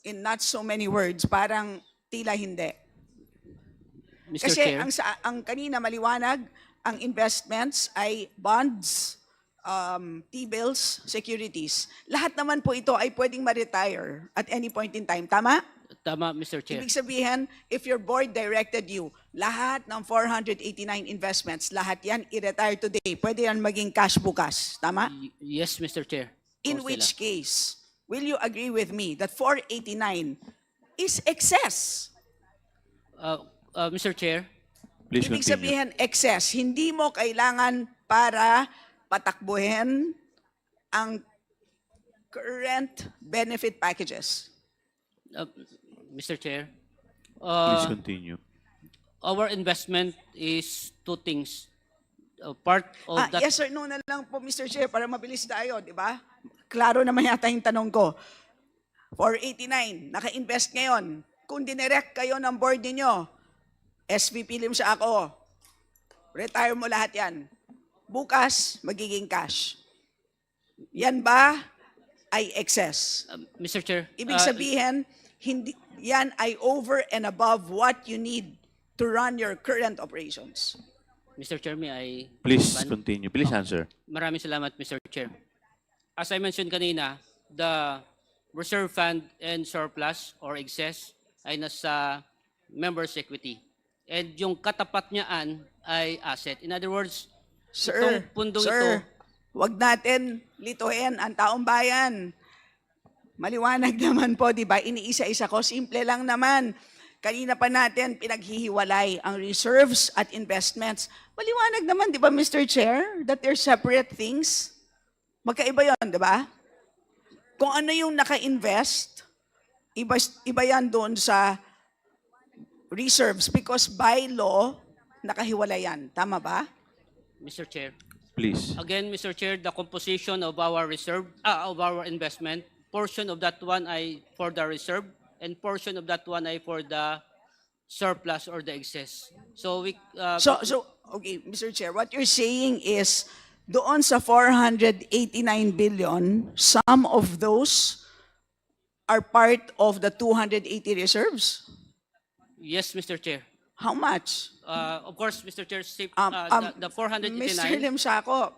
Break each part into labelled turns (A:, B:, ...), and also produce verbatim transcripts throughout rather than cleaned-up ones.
A: in not so many words, parang tila hindi.
B: Mister
A: Kasi
B: Chair,
A: ang, sa, ang kanina maliwanag, ang investments ay bonds, um, T-bills, securities. Lahat naman po ito ay pwedeng ma-retire at any point in time. Tama?
B: tama, Mister Chair.
A: Ibig sabihin, if your board directed you, lahat ng four hundred eighty-nine investments, lahat yan i-retire today. Pwede yan maging cash bukas. Tama?
B: Y- yes, Mister Chair.
A: In
B: Constela.
A: which case, will you agree with me that four eighty-nine is excess?
B: Uh, uh, Mister Chair,
C: Please
A: Ibig
C: continue.
A: sabihin, excess. Hindi mo kailangan para patakbuhin ang current benefit packages.
B: uh, Mister Chair,
C: Please
B: uh,
C: continue.
B: our investment is two things. Uh, part of
A: Ah,
B: that,
A: yes or no na lang po, Mister Chair, para mabilis tayo, di ba? Klaro naman yata yung tanong ko. four eighty-nine, naka-invest ngayon. Kung dinirect kayo ng board ninyo, S V P Limsa ako, retire mo lahat yan. Bukas, magiging cash. Yan ba ay excess?
B: uh, Mister Chair,
A: Ibig
B: uh,
A: sabihin, hindi, yan ay over and above what you need to run your current operations.
B: Mister Chair, may I
C: Please
B: respond?
C: continue. Please answer.
B: Maraming salamat, Mister Chair. As I mentioned kanina, the reserve fund and surplus or excess ay nasa members' equity. And yung katapat niyaan ay asset. In other words,
A: Sir,
B: itong pundong
A: sir,
B: ito,
A: wag natin lituhin ang taong bayan. Maliwanag naman po, di ba? Iniisa-isa ko, simple lang naman. Kanina pa natin pinaghihiwalay ang reserves at investments. Maliwanag naman, di ba, Mister Chair, that they're separate things? Magkaiba yon, di ba? Kung ano yung naka-invest, iba, iba yan doon sa reserves because by law, nakahiwalay yan. Tama ba?
B: Mister Chair.
C: Please.
B: Again, Mister Chair, the composition of our reserve, ah, of our investment, portion of that one ay for the reserve, and portion of that one ay for the surplus or the excess. So we, uh,
A: So, so okay, Mister Chair, what you're saying is, doon sa four hundred eighty-nine billion, some of those are part of the two hundred eighty reserves?
B: yes, Mister Chair.
A: How much?
B: Uh, of course, Mister Chair, sip-
A: Um,
B: uh,
A: um,
B: the, the four hundred
A: Mister
B: eighty-nine,
A: Limsako,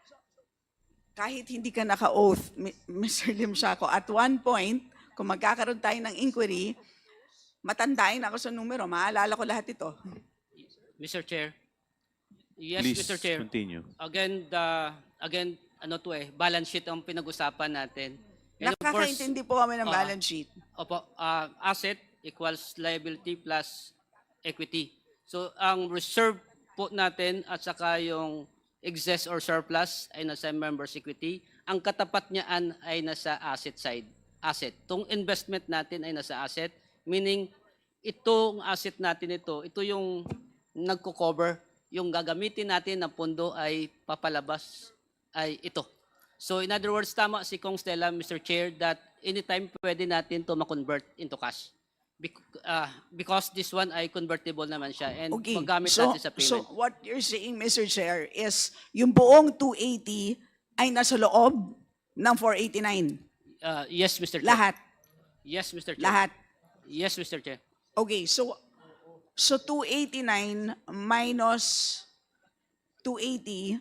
A: kahit hindi ka naka-oath, Mi- Mister Limsako, at one point, kung magkakaroon tayo ng inquiry, matandain ako sa numero, maalala ko lahat ito.
B: Mister Chair. Yes,
C: Please
B: Mister Chair.
C: continue.
B: Again, the, again, ano to eh, balance sheet ang pinag-usapan natin. And of course,
A: Nakakaintindi po kami ng
B: ah,
A: balance sheet.
B: Opo, uh, asset equals liability plus equity. So, ang reserve po natin at saka yung excess or surplus ay nasa members equity. Ang katapat niyaan ay nasa asset side. Asset. Itong investment natin ay nasa asset, meaning itong asset natin ito, ito yung nagko-cover, yung gagamitin natin na pondo ay papalabas ay ito. So in other words, tama si Kong Stella, Mister Chair, that anytime pwede natin to ma-convert into cash. Bec- uh, because this one ay convertible naman siya and
A: Okay,
B: magamit
A: so,
B: natin sa
A: so
B: payment.
A: what you're saying, Mister Chair, is yung buong two eighty ay nasa loob ng four eighty-nine.
B: Uh, yes, Mister Chair.
A: Lahat.
B: Yes, Mister Chair.
A: Lahat.
B: Yes, Mister Chair.
A: Okay, so so two eighty-nine minus two eighty,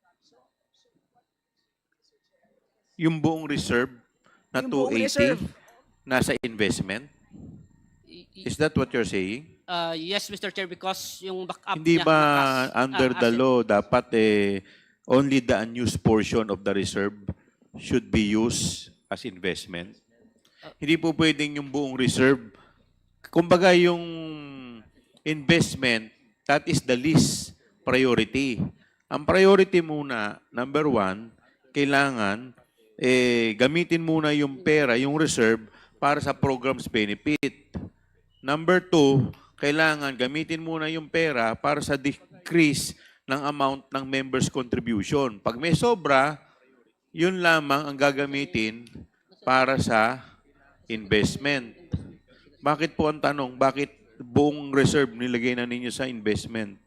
C: Yung buong reserve na
A: Yung buong
C: two eighty
A: reserve.
C: nasa investment?
B: Y- y-
C: Is that what you're saying?
B: Uh, yes, Mister Chair, because yung backup
C: Hindi
B: niya
C: ba
B: na cash,
C: under
B: ah,
C: the
B: asset.
C: law dapat eh only the unused portion of the reserve should be used as investment? Hindi po pwedeng yung buong reserve. Kumbaga yung investment, that is the least priority. Ang priority muna, number one, kailangan eh, gamitin muna yung pera, yung reserve, para sa programs benefit. Number two, kailangan gamitin muna yung pera para sa decrease ng amount ng members' contribution. Pag may sobra, yun lamang ang gagamitin para sa investment. Bakit po ang tanong, bakit buong reserve nilagay na ninyo sa investment?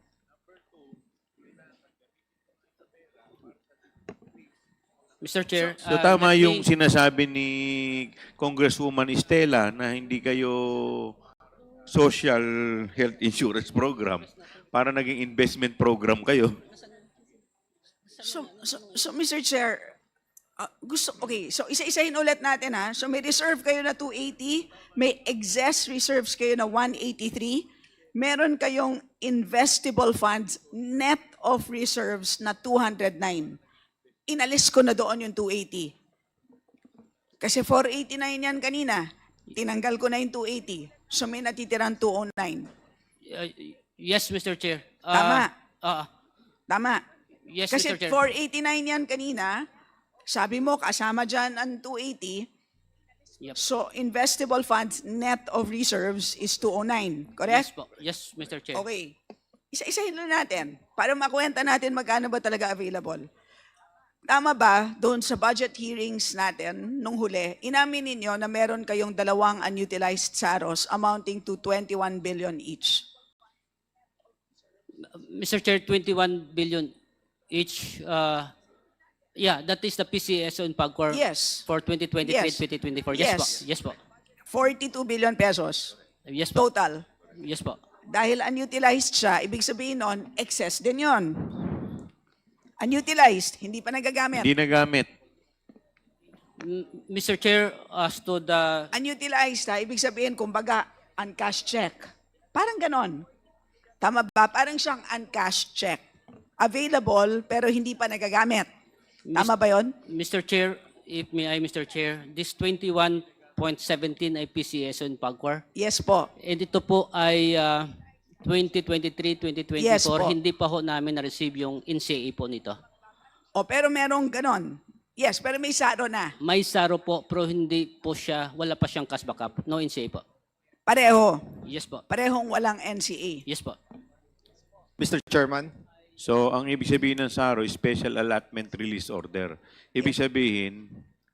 B: Mister Chair,
C: So
B: uh,
C: tama
B: let
C: yung
B: me-
C: sinasabi ni Congresswoman Estela na hindi kayo social health insurance program para naging investment program kayo.
A: So, so, so Mister Chair, ah, gusto, okay, so isa-isahin ulit natin ha. So may reserve kayo na two eighty, may excess reserves kayo na one eighty-three, meron kayong investable funds net of reserves na two hundred nine. Inalis ko na doon yung two eighty. Kasi four eighty-nine yan kanina. Tinanggal ko na yung two eighty. So may natitirang two oh nine.
B: uh, yes, Mister Chair. Uh,
A: Tama.
B: uh,
A: Tama.
B: yes,
A: Kasi
B: Mister Chair.
A: four eighty-nine yan kanina. Sabi mo, kasama dyan ang two eighty.
B: Yep.
A: So investable funds net of reserves is two oh nine.
B: Yes
A: Correct?
B: po. Yes, Mister Chair.
A: Okay. Isa-isahin lang natin para makwenta natin magkano ba talaga available. Tama ba, doon sa budget hearings natin nung huli, inamin ninyo na meron kayong dalawang unutilized S A R Os amounting to twenty-one billion each.
B: Mister Chair, twenty-one billion each. Uh, yeah, that is the P C S O in PAGCOR
A: Yes.
B: for twenty twenty-three
A: Yes.
B: twenty twenty-four. Yes,
A: Yes.
B: po. Yes po.
A: forty-two billion pesos
B: Yes po.
A: total.
B: Yes po.
A: Dahil unutilized siya, ibig sabihin nun, excess din yon. Unutilized, hindi pa nagagamit.
C: Hindi nagamit.
B: M- Mister Chair, as to the
A: Unutilized ha, ibig sabihin, kumbaga, uncashed check. Parang ganon. Tama ba? Parang siyang uncashed check. Available, pero hindi pa nagagamit. Tama ba yon?
B: Mister Chair, if may I, Mister Chair, this twenty-one point one seven ay P C S O in PAGCOR.
A: Yes po.
B: And ito po ay uh, twenty twenty-three twenty twenty-four.
A: Yes po.
B: Hindi pa ho namin na-receive yung N C A po nito.
A: O pero merong ganon. Yes, pero may saro na.
B: May saro po, pero hindi po siya, wala pa siyang cash backup. No N C A po.
A: Pareho.
B: Yes po.
A: Parehong walang N C A.
B: Yes po.
D: Mister Chairman,
C: So ang ibig sabihin ng S A R O, Special Allotment Release Order. Ibig sabihin,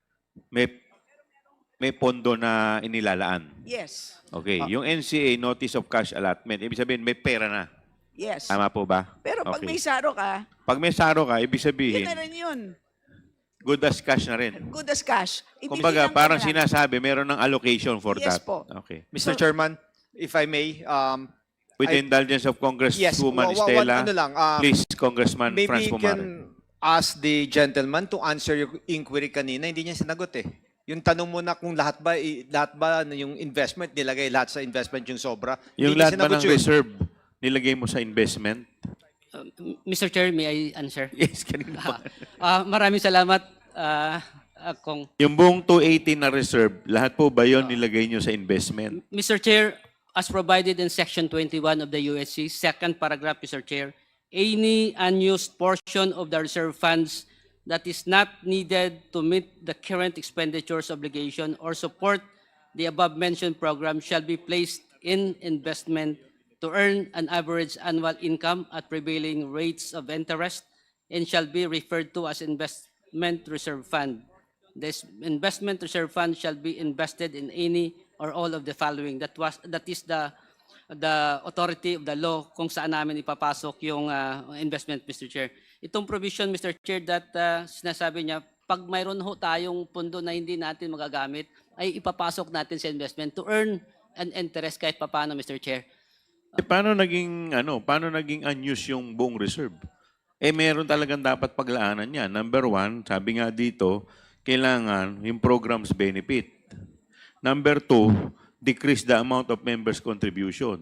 C: may may pondo na inilalaan.
A: Yes.
C: Okay. Yung N C A, Notice of Cash Allotment, ibig sabihin may pera na.
A: Yes.
C: Tama po ba?
A: Pero pag
C: Okay.
A: may saro ka,
C: Pag may S A R O ka, ibig
A: yun
C: sabihin,
A: na rin yun.
C: good as cash na rin.
A: Good as cash.
C: Kumbaga,
A: Ibibilang ka
C: parang
A: na lang.
C: sinasabi, meron ng allocation for
A: Yes
C: that.
A: po.
C: Okay.
D: Mister
A: So-
D: Chairman, if I may, um,
C: With the
D: I-
C: indulgence of
D: yes,
C: Congresswoman
D: wa- wa-
C: Estela,
D: ano lang, um,
C: please, Congressman
D: maybe
C: Franz
D: you
C: Pumare.
D: can ask the gentleman to answer your inquiry kanina. Hindi niya sinagot eh. Yung tanong mo na kung lahat ba, i- lahat ba ano, yung investment, nilagay lahat sa investment yung sobra.
C: Yung
D: Hindi niya
C: lahat ba
D: sinagot
C: ng
D: yun.
C: reserve, nilagay mo sa investment?
B: Uh, Mister Chair, may I answer?
C: Yes, kanina pa.
B: Ah, maraming salamat, uh, Kong.
C: Yung buong two eighty na reserve, lahat po ba yun nilagay nyo sa investment?
B: Mister Chair, as provided in Section twenty-one of the U S C, second paragraph, Mister Chair, any unused portion of the reserve funds that is not needed to meet the current expenditures obligation or support the above-mentioned program shall be placed in investment to earn an average annual income at prevailing rates of interest and shall be referred to as investment reserve fund. This investment reserve fund shall be invested in any or all of the following. That was that is the the authority of the law kung saan namin ipapasok yung uh, investment, Mister Chair. Itong provision, Mister Chair, that uh, sinasabi niya, pag mayroon ho tayong pondo na hindi natin magagamit, ay ipapasok natin sa investment to earn an interest kahit papaano, Mister Chair.
C: Eh, paano naging, ano, paano naging unused yung buong reserve? Eh, meron talagang dapat paglaanan yan. Number one, sabi nga dito, kailangan yung program's benefit. Number two, decrease the amount of members' contribution.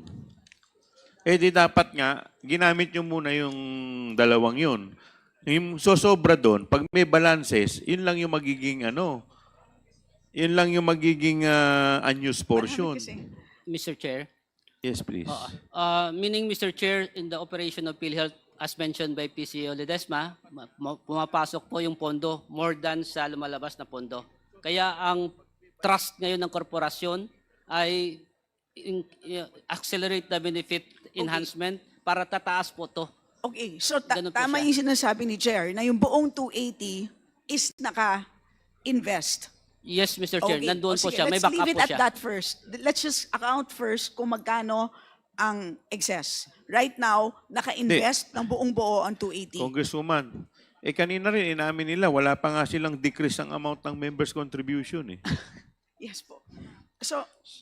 C: Eh di dapat nga, ginamit nyo muna yung dalawang yun. Yung sosobra doon, pag may balances, yun lang yung magiging ano, yun lang yung magiging uh, unused portion.
A: Kasi,
B: Mister Chair.
C: Yes, please.
B: Oo. Uh, meaning, Mister Chair, in the operation of PhilHealth, as mentioned by P C O Ledesma, ma- ma- pumapasok po yung pondo more than sa lumalabas na pondo. Kaya ang trust ngayon ng korporasyon ay in- i- accelerate the benefit enhancement para tataas po to.
A: okay, so ta-
B: Ganun po
A: tama
B: siya.
A: yung sinasabi ni Chair na yung buong two eighty is naka-invest.
B: Yes, Mister Chair, nandoon
A: o
B: po
A: sige,
B: siya. May
A: let's
B: backup
A: leave it
B: po
A: at
B: siya.
A: that first. Let's just account first kung magkano ang excess. Right now, naka-invest ng buong buo ang two eighty.
C: Congresswoman, Eh kanina rin, inamin nila, wala pa nga silang decrease ang amount ng members' contribution eh.
A: Yes po. So,